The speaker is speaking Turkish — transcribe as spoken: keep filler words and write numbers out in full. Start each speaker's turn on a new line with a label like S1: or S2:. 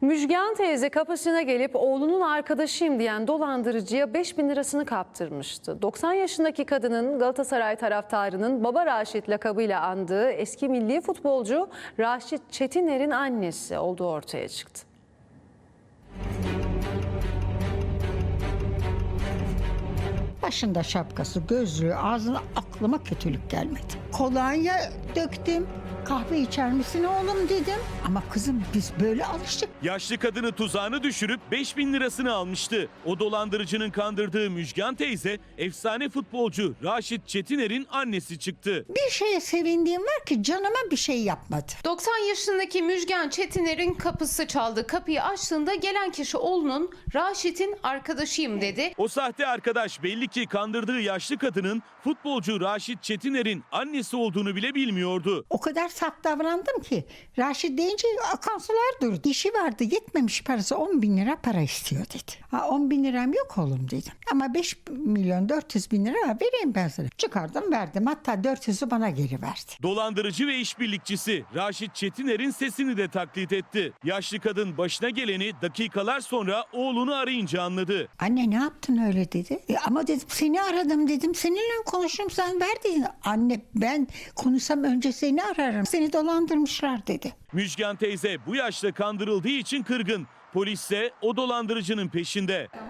S1: Müjgan teyze kapısına gelip oğlunun arkadaşıyım diyen dolandırıcıya beş bin lirasını kaptırmıştı. doksan yaşındaki kadının Galatasaray taraftarının Baba Raşit lakabıyla andığı eski milli futbolcu Raşit Çetiner'in annesi olduğu ortaya çıktı.
S2: Başında şapkası, gözlüğü, ağzına aklıma kötülük gelmedi. Kolonya döktüm. Kahve içer misin oğlum dedim. Ama kızım biz böyle alıştık.
S3: Yaşlı kadını tuzağına düşürüp beş bin lirasını almıştı. O dolandırıcının kandırdığı Müjgan teyze efsane futbolcu Raşit Çetiner'in annesi çıktı.
S2: Bir şeye sevindiğim var ki canıma bir şey yapmadı.
S4: doksan yaşındaki Müjgan Çetiner'in kapısı çaldı. Kapıyı açtığında gelen kişi oğlunun Raşit'in arkadaşıyım dedi.
S3: O sahte arkadaş belli ki kandırdığı yaşlı kadının futbolcu Raşit Çetiner'in annesi olduğunu bile bilmiyordu.
S2: O kadar saf davrandım ki Raşit deyince akan sular durdu. İşi vardı, yetmemiş parası, on bin lira para istiyor dedi. Ha, on bin liram yok oğlum dedim. Ama beş milyon dört yüz bin lira vereyim ben sana. Çıkardım verdim, hatta dört yüzü bana geri verdi.
S3: Dolandırıcı ve işbirlikçisi Raşit Çetiner'in sesini de taklit etti. Yaşlı kadın başına geleni dakikalar sonra oğlunu arayınca anladı.
S2: Anne ne yaptın öyle dedi. E, ama dedim seni aradım dedim. Seninle konuşurum sen ver dedi. Anne ben konuşsam önce seni ararım. Seni dolandırmışlar dedi.
S3: Müjgan teyze bu yaşta kandırıldığı için kırgın. Polis ise o dolandırıcının peşinde.